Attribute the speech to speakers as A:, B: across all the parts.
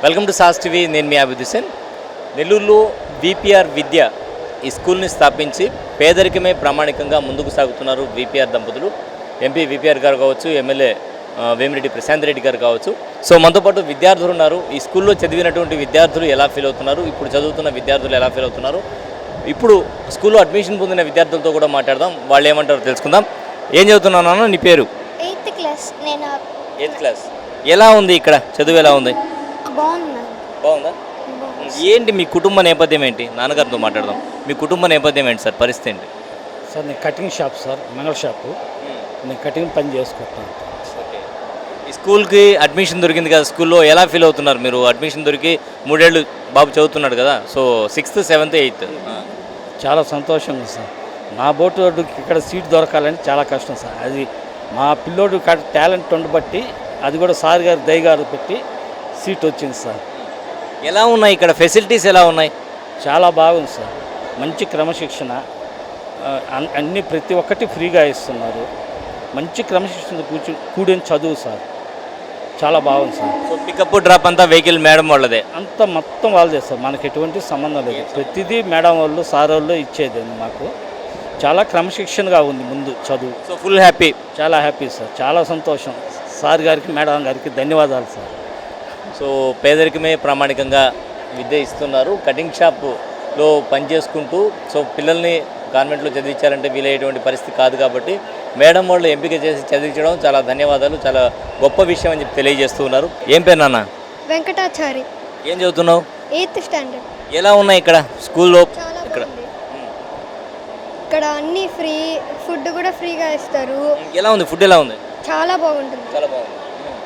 A: Welcome to sauce TV. నేను మీ అభిద్ హుసేన్. నెల్లూరులో VPR విద్య ఈ స్కూల్ని స్థాపించి పేదరికమే ప్రామాణికంగా ముందుకు సాగుతున్నారు విపిఆర్ దంపతులు. ఎంపీ విపిఆర్ గారు కావచ్చు, ఎమ్మెల్యే వేమిరెడ్డి ప్రశాంత్ రెడ్డి గారు కావచ్చు. సో మనతో పాటు విద్యార్థులు ఉన్నారు. ఈ స్కూల్లో చదివినటువంటి విద్యార్థులు ఎలా ఫీల్ అవుతున్నారు, ఇప్పుడు చదువుతున్న విద్యార్థులు ఎలా ఫీల్ అవుతున్నారు, ఇప్పుడు స్కూల్లో అడ్మిషన్ పొందిన విద్యార్థులతో కూడా మాట్లాడదాం. వాళ్ళు ఏమంటారో తెలుసుకుందాం. ఏం చదువుతున్నాను? నీ పేరు?
B: 8th class. నేను
A: 8th క్లాస్. ఎలా ఉంది ఇక్కడ చదువు? ఎలా ఉంది? బాగుందా? ఏంటి మీ కుటుంబ నేపథ్యం ఏంటి? నాన్నగారితో మాట్లాడదాం. మీ కుటుంబ నేపథ్యం ఏంటి సార్? పరిస్థితి ఏంటి
C: సార్? నేను కటింగ్ షాప్ సార్, మంగళ షాపు. నేను కటింగ్ పని చేసుకుంటాను.
A: ఓకే. ఈ స్కూల్కి అడ్మిషన్ దొరికింది కదా, స్కూల్లో ఎలా ఫీల్ అవుతున్నారు మీరు? అడ్మిషన్ దొరికి 3 ఏళ్ళు బాబు చదువుతున్నాడు కదా, సో 6th, 7th, 8th.
C: చాలా సంతోషంగా సార్. నా బోటుకి ఇక్కడ సీట్ దొరకాలని చాలా కష్టం సార్. అది మా పిల్లోడు టాలెంట్ ఉండబట్టి అది కూడా సార్ గారు దయగారు పెట్టి సీట్ వచ్చింది సార్.
A: ఎలా ఉన్నాయి ఇక్కడ ఫెసిలిటీస్? ఎలా ఉన్నాయి?
C: చాలా బాగుంది సార్. మంచి క్రమశిక్షణ, అన్నీ ప్రతి ఒక్కటి ఫ్రీగా ఇస్తున్నారు. మంచి క్రమశిక్షణ కూడిన చదువు సార్. చాలా బాగుంది సార్.
A: సో పికప్ డ్రాప్ అంతా వెహికల్ మేడం వాళ్ళదే?
C: అంతా మొత్తం వాళ్ళదే సార్. మనకి ఎటువంటి సంబంధం లేదు. ప్రతిదీ మేడం వాళ్ళు, సార్ వాళ్ళు ఇచ్చేది మాకు. చాలా క్రమశిక్షణగా ఉంది ముందు చదువు.
A: So full happy?
C: చాలా హ్యాపీ సార్. చాలా సంతోషం. సార్ గారికి, మేడం గారికి ధన్యవాదాలు సార్.
A: సో పేదరికమే ప్రామాణికంగా విద్య ఇస్తున్నారు. కటింగ్ షాప్లో పనిచేసుకుంటూ సో పిల్లల్ని కాన్వెంట్లో చదివించాలంటే వీలయ్యేటువంటి పరిస్థితి కాదు కాబట్టి మేడం వాళ్ళు ఎంపిక చేసి చదివించడం చాలా ధన్యవాదాలు, చాలా గొప్ప విషయం అని చెప్పి తెలియజేస్తూ ఉన్నారు. ఏం పేరు నాన్న?
B: వెంకటాచారి.
A: ఏం చదువుతున్నావు?
B: 8th standard.
A: ఎలా ఉన్నాయి ఇక్కడ స్కూల్లో?
B: చాలా
A: ఇక్కడ
B: బాగుంది. ఇక్కడ అన్నీ ఫ్రీ, ఫుడ్ కూడా ఫ్రీగా ఇస్తారు.
A: ఎలా ఉంది ఫుడ్? ఎలా ఉంది?
B: చాలా బాగుంటుంది.
A: చాలా బాగుంది.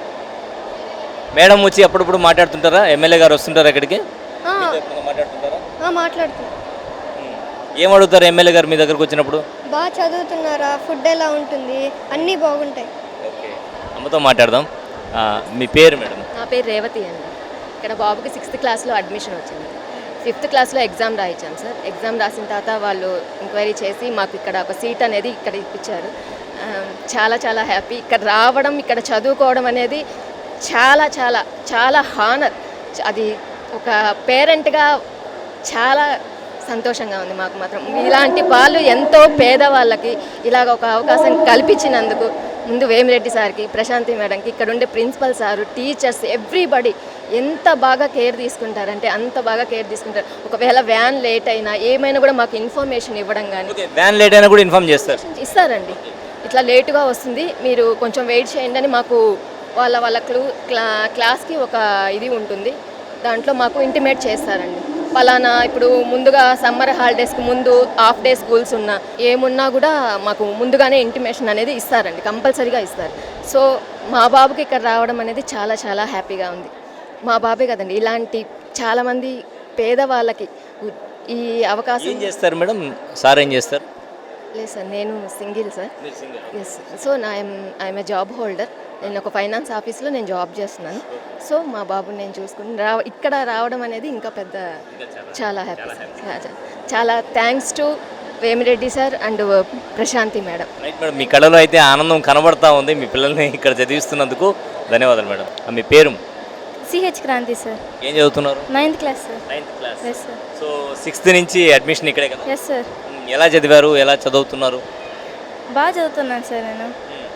A: మేడం వచ్చి అప్పుడప్పుడు మాట్లాడుతుంటారా? ఎమ్మెల్యే గారు వస్తుంటారా ఇక్కడికి? మాట్లాడుతుంటారా?
B: మాట్లాడుతుంది.
A: ఏం అడుగుతారు ఎమ్మెల్యే గారు మీ దగ్గరకు వచ్చినప్పుడు?
B: బాగా చదువుతున్నారా, ఫుడ్ ఎలా ఉంటుంది, అన్నీ బాగుంటాయి.
A: ఓకే. అమ్మతో మాట్లాడదాం. మీ పేరు మేడం?
D: నా పేరు రేవతి అండి. ఇక్కడ బాబుకి 6th క్లాస్లో అడ్మిషన్ వచ్చింది. 5th క్లాస్లో ఎగ్జామ్ రాయించాను సార్. ఎగ్జామ్ రాసిన తర్వాత వాళ్ళు ఎంక్వైరీ చేసి మాకు ఇక్కడ ఒక సీట్ అనేది ఇక్కడ ఇప్పించారు. చాలా చాలా హ్యాపీ. ఇక్కడ రావడం, ఇక్కడ చదువుకోవడం అనేది చాలా చాలా చాలా హానర్. అది ఒక పేరెంట్గా చాలా సంతోషంగా ఉంది మాకు మాత్రం. ఇలాంటి వాళ్ళు ఎంతో పేదవాళ్ళకి ఇలాగ ఒక అవకాశం కల్పించినందుకు ముందు వేమిరెడ్డి సార్కి, ప్రశాంతి మేడంకి, ఇక్కడ ఉండే ప్రిన్సిపల్ సారు, టీచర్స్, ఎవ్రీబడి ఎంత బాగా కేర్ తీసుకుంటారంటే అంత బాగా కేర్ తీసుకుంటారు. ఒకవేళ వ్యాన్ లేట్ అయినా ఏమైనా కూడా మాకు ఇన్ఫర్మేషన్ ఇవ్వడం కానీ.
A: వ్యాన్ లేట్ అయినా కూడా ఇన్ఫార్మ్ చేస్తారు?
D: ఇస్తారండి. ఇట్లా లేటుగా వస్తుంది, మీరు కొంచెం వెయిట్ చేయండి అని మాకు వాళ్ళ క్లాస్కి ఒక ఇది ఉంటుంది, దాంట్లో మాకు ఇంటిమేట్ చేస్తారండి. పలానా ఇప్పుడు ముందుగా సమ్మర్ హాలిడేస్కి ముందు హాఫ్ డే స్కూల్స్ ఉన్నా ఏమున్నా కూడా మాకు ముందుగానే ఇంటిమేషన్ అనేది ఇస్తారండి, కంపల్సరీగా ఇస్తారు. సో మా బాబుకి ఇక్కడ రావడం అనేది చాలా చాలా హ్యాపీగా ఉంది. మా బాబే కదండి, ఇలాంటి చాలామంది పేదవాళ్ళకి ఈ అవకాశం.
A: ఏం చేస్తారు మేడం? సార్ ఏం చేస్తారు?
D: లేదు సార్, నేను single sir. Yes. So I'm a job holder. నేను ఒక ఫైనాన్స్ ఆఫీస్లో నేను జాబ్ చేస్తున్నాను. సో మా బాబుని నేను చూసుకుని ఇక్కడ రావడం అనేది ఇంకా పెద్ద చాలా హ్యాపీ సార్. చాలా thanks to Vemireddy sir and Prashanti madam.
A: Right madam, మీ కళలో అయితే ఆనందం కనబడతా ఉంది. మీ పిల్లల్ని ఇక్కడ చదివిస్తున్నందుకు ధన్యవాదాలు మేడం. మీ పేరు?
B: C H Kranti sir.
A: ఏం చదువుతున్నారు?
B: 9th class sir.
A: 9th class.
B: Yes sir.
A: So 6th నుంచి అడ్మిషన్ ఇక్కడే కదా?
B: Yes sir.
A: ఎలా చదివారు? ఎలా చదువుతున్నారు?
B: బాగా చదువుతున్నాను సార్ నేను.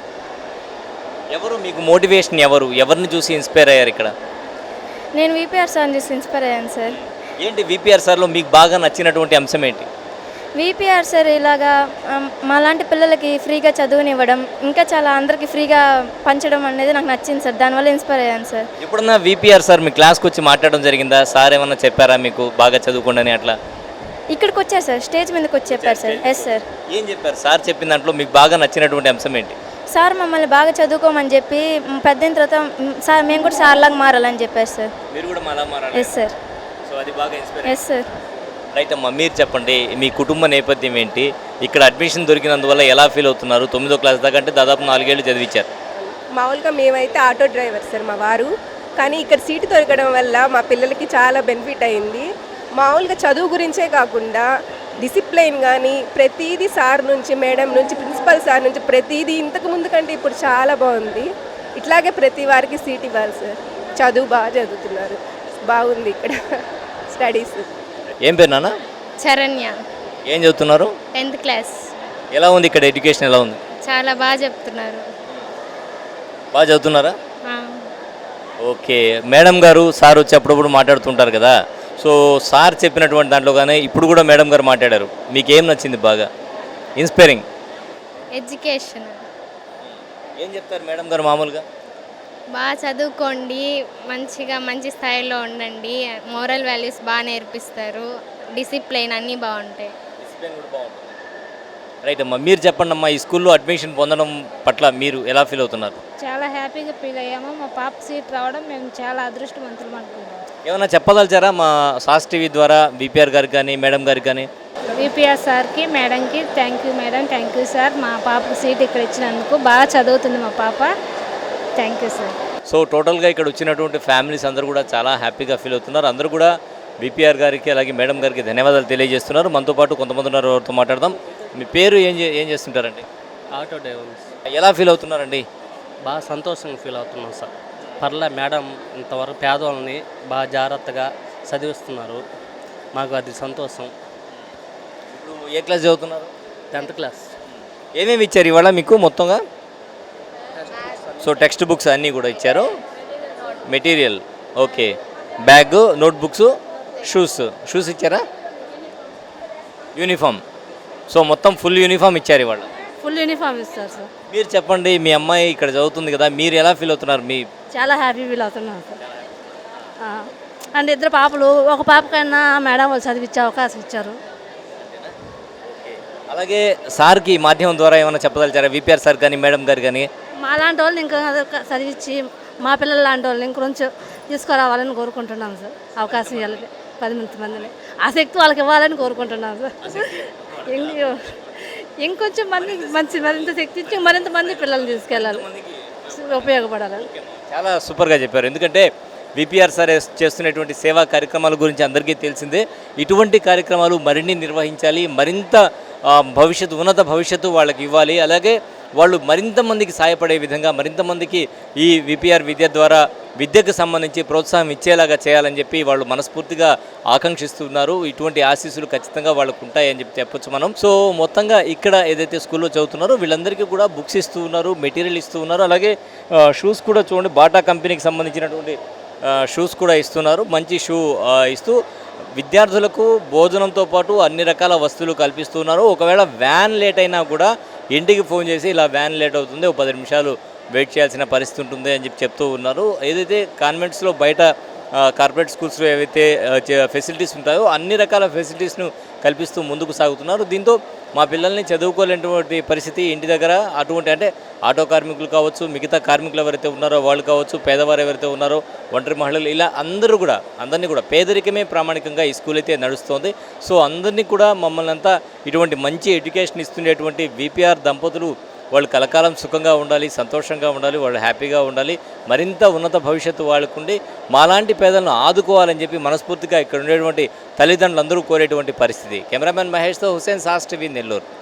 A: ఎవరు మీకు మోటివేషన్? ఎవరిని చూసి ఇన్స్పైర్ అయ్యారు ఇక్కడ?
B: నేను విపిఆర్ సార్ని చూసి ఇన్స్పైర్ అయ్యాను సార్.
A: ఏంటి విపిఆర్ సార్లో మీకు బాగా నచ్చినటువంటి అంశం ఏంటి?
B: విపిఆర్ సార్ ఇలాగా మాలాంటి పిల్లలకి ఫ్రీగా చదువునివ్వడం, ఇంకా చాలా అందరికీ ఫ్రీగా పంచడం అనేది నాకు నచ్చింది సార్. దానివల్ల ఇన్స్పైర్ అయ్యాను సార్.
A: ఎప్పుడన్నా విపిఆర్ సార్ మీ క్లాస్కి వచ్చి మాట్లాడడం జరిగిందా? సార్ ఏమన్నా చెప్పారా మీకు బాగా చదువుకోండి అని? అట్లా
B: ఇక్కడికి వచ్చారు సార్, స్టేజ్ మీదకి వచ్చి చెప్పారు సార్. Yes sir.
A: ఏం చెప్పారు సార్? చెప్పిన దాంట్లో మీకు బాగా నచ్చినటువంటి అంశం ఏంటి?
B: సార్ మమ్మల్ని బాగా చదువుకోమని చెప్పి పెద్దయిన తర్వాత సార్ మేము కూడా సార్లాగా మారాలని చెప్పారు సార్.
A: మీరు కూడా అలా మారాలి?
B: Yes sir.
A: సో అది బాగా ఇన్స్పైర్.
B: Yes sir.
A: రైట్ అమ్మా, మీరు చెప్పండి మీ కుటుంబ నేపథ్యం ఏంటి? ఇక్కడ అడ్మిషన్ దొరికినందువల్ల ఎలా ఫీల్ అవుతున్నారు? 9వ క్లాస్ దాకా అంటే దాదాపు 4 ఏళ్ళు చదివించారు.
E: మామూలుగా మేమైతే ఆటో డ్రైవర్ సార్ మా వారు, కానీ ఇక్కడ సీటు దొరకడం వల్ల మా పిల్లలకి చాలా బెనిఫిట్ అయింది. మామూలుగా చదువు గురించే కాకుండా డిసిప్లైన్ కానీ ప్రతిదీ సార్ నుంచి, మేడం నుంచి, ప్రిన్సిపల్ సార్ నుంచి ప్రతిదీ ఇంతకు ముందు కంటే ఇప్పుడు చాలా బాగుంది. ఇట్లాగే ప్రతి వారికి సీట్ ఇవ్వాలి సార్. చదువు బాగా చదువుతున్నారు. బాగుంది ఇక్కడ స్టడీస్.
A: ఏం పేరు నాన్న?
F: శరణ్య,
A: ఏం చదువుతున్నారు?
F: 10th class.
A: ఎలా ఉంది ఇక్కడ ఎడ్యుకేషన్ ఎలా ఉంది?
F: చాలా బాగా చెప్తున్నారు.
A: బాగా చదువుతున్నారా?
F: ఆ,
A: ఓకే. మేడం గారు సార్ వచ్చి అప్పుడప్పుడు మాట్లాడుతుంటారు కదా, సో సార్ చెప్పినటువంటి దాంట్లో కానీ ఇప్పుడు కూడా మేడం గారు మాట్లాడారు, మీకు ఏం నచ్చింది బాగా ఇన్స్పైరింగ్?
F: ఎడ్యుకేషన్
A: ఏం చెప్తారు మేడం గారు మామూలుగా?
F: బాగా చదువుకోండి, మంచి స్థాయిలో ఉండండి, మోరల్ వాల్యూస్ బాగా నేర్పిస్తారు, డిసిప్లైన్ అన్నీ బాగుంటాయి.
A: డిసిప్లిన్ కూడా బాగుంటుంది. రైట్ అమ్మా, మీరు చెప్పండి అమ్మా, ఈ స్కూల్లో అడ్మిషన్ పొందడం పట్ల మీరు ఎలా ఫీల్ అవుతున్నారు?
G: చాలా హ్యాపీగా ఫీల్ అయ్యాము. మా పాప సీట్ రావడం మేము చాలా అదృష్టవంతులం అనుకుంటాం.
A: ఏమైనా చెప్పదలిచారా మా సాస్ టీవీ ద్వారా విపిఆర్ గారికి కానీ మేడం గారికి కానీ?
G: విపిఆర్ సార్కి మేడంకి thank you madam, thank you sir. మా పాపకు సీట్ ఇక్కడ ఇచ్చినందుకు బాగా చదువుతుంది మా పాప. Thank you sir.
A: సో టోటల్గా ఇక్కడ వచ్చినటువంటి ఫ్యామిలీస్ అందరూ కూడా చాలా హ్యాపీగా ఫీల్ అవుతున్నారు. అందరూ కూడా విపిఆర్ గారికి అలాగే మేడం గారికి ధన్యవాదాలు తెలియజేస్తున్నారు. మనతో పాటు కొంతమంది ఉన్నారు, ఎవరితో మాట్లాడదాం. మీ పేరు ఏం చేస్తుంటారండి?
H: Auto drivers.
A: ఎలా ఫీల్ అవుతున్నారండి?
H: బాగా సంతోషంగా ఫీల్ అవుతున్నాం సార్. పర్లే మేడం ఇంతవరకు పేదవాళ్ళని బాగా జాగ్రత్తగా చదివిస్తున్నారు, మాకు అది సంతోషం.
A: ఇప్పుడు ఏ క్లాస్ చదువుతున్నారు?
H: 10th class.
A: ఏమేమి ఇచ్చారు ఇవాళ మీకు మొత్తంగా? సో టెక్స్ట్ బుక్స్ అన్నీ కూడా ఇచ్చారు, material okay, bag, note books, shoes ఇచ్చారా? యూనిఫామ్, సో మొత్తం ఫుల్ యూనిఫామ్ ఇచ్చారు ఇవాళ.
G: ఫుల్ యూనిఫామ్ ఇస్తారు సార్.
A: మీరు చెప్పండి, మీ అమ్మాయి ఇక్కడ చదువుతుంది కదా, మీరు ఎలా ఫీల్ అవుతున్నారు? మీ
G: చాలా హ్యాపీ ఫీల్ అవుతున్నాం సార్. అండ్ ఇద్దరు పాపలు, ఒక పాపకైనా మేడం వాళ్ళు చదివించే అవకాశం ఇచ్చారు.
A: అలాగే సార్కి మాధ్యమం ద్వారా ఏమైనా చెప్పదలిచారా? విపిఆర్ సార్ కానీ మేడం గారు కానీ?
G: మా లాంటి వాళ్ళని ఇంకా చదివించి మా పిల్లల లాంటి వాళ్ళని ఇంకొంచెం తీసుకురావాలని కోరుకుంటున్నాం సార్. అవకాశం ఇవ్వాలని 10 మందిని, ఆ శక్తి వాళ్ళకి ఇవ్వాలని కోరుకుంటున్నాం సార్. ఇంకొంచెం మరింత శక్తి ఇచ్చి మరింత మంది పిల్లల్ని తీసుకెళ్ళాలి, ఉపయోగపడాలి.
A: చాలా సూపర్గా చెప్పారు. ఎందుకంటే విపిఆర్ సార్ చేస్తున్నటువంటి సేవా కార్యక్రమాల గురించి అందరికీ తెలిసిందే. ఇటువంటి కార్యక్రమాలు మరిన్ని నిర్వహించాలి, మరింత ఉన్నత భవిష్యత్తు వాళ్ళకి ఇవ్వాలి. అలాగే వాళ్ళు మరింత మందికి సహాయపడే విధంగా, మరింత మందికి ఈ విపిఆర్ విద్య ద్వారా విద్యకు సంబంధించి ప్రోత్సాహం ఇచ్చేలాగా చేయాలని చెప్పి వాళ్ళు మనస్ఫూర్తిగా ఆకాంక్షిస్తున్నారు. ఇటువంటి ఆశీస్సులు ఖచ్చితంగా వాళ్ళకు ఉంటాయని చెప్పొచ్చు మనం. సో మొత్తంగా ఇక్కడ ఏదైతే స్కూల్లో చదువుతున్నారో వీళ్ళందరికీ కూడా బుక్స్ ఇస్తూ ఉన్నారు, మెటీరియల్ ఇస్తూ ఉన్నారు. అలాగే షూస్ కూడా చూడండి, బాటా కంపెనీకి సంబంధించినటువంటి షూస్ కూడా ఇస్తున్నారు. మంచి షూ ఇస్తూ విద్యార్థులకు భోజనంతో పాటు అన్ని రకాల వస్తువులు కల్పిస్తున్నారు. ఒకవేళ వ్యాన్ లేట్ అయినా కూడా ఇంటికి ఫోన్ చేసి ఇలా వ్యాన్ లేట్ అవుతుంది, ఒక 10 నిమిషాలు వెయిట్ చేయాల్సిన పరిస్థితి ఉంటుంది అని చెప్తూ ఉన్నారు. ఏదైతే కాన్వెంట్స్లో బయట కార్పొరేట్ స్కూల్స్లో ఏవైతే ఫెసిలిటీస్ ఉంటాయో అన్ని రకాల ఫెసిలిటీస్ను కల్పిస్తూ ముందుకు సాగుతున్నారు. దీంతో మా పిల్లల్ని చదువుకోలేనటువంటి పరిస్థితి ఇంటి దగ్గర అంటే ఆటో కార్మికులు కావచ్చు, మిగతా కార్మికులు ఎవరైతే ఉన్నారో వాళ్ళు కావచ్చు, పేదవారు ఎవరైతే ఉన్నారో, ఒంటరి మహిళలు, ఇలా అందరినీ కూడా పేదరికమే ప్రామాణికంగా ఈ స్కూల్ అయితే నడుస్తోంది. సో అందరినీ కూడా మమ్మల్ని అంతా ఇటువంటి మంచి ఎడ్యుకేషన్ ఇస్తున్నటువంటి విపిఆర్ దంపతులు వాళ్ళు కలకాలం సుఖంగా ఉండాలి, సంతోషంగా ఉండాలి, వాళ్ళు హ్యాపీగా ఉండాలి, మరింత ఉన్నత భవిష్యత్తు వాళ్ళకుండి మాలాంటి పేదలను ఆదుకోవాలని చెప్పి మనస్ఫూర్తిగా ఇక్కడ ఉండేటువంటి తల్లిదండ్రులందరూ కోరేటువంటి పరిస్థితి. కెమెరామెన్ మహేష్తో హుసేన్, సాస్ టీవీ, నెల్లూరు.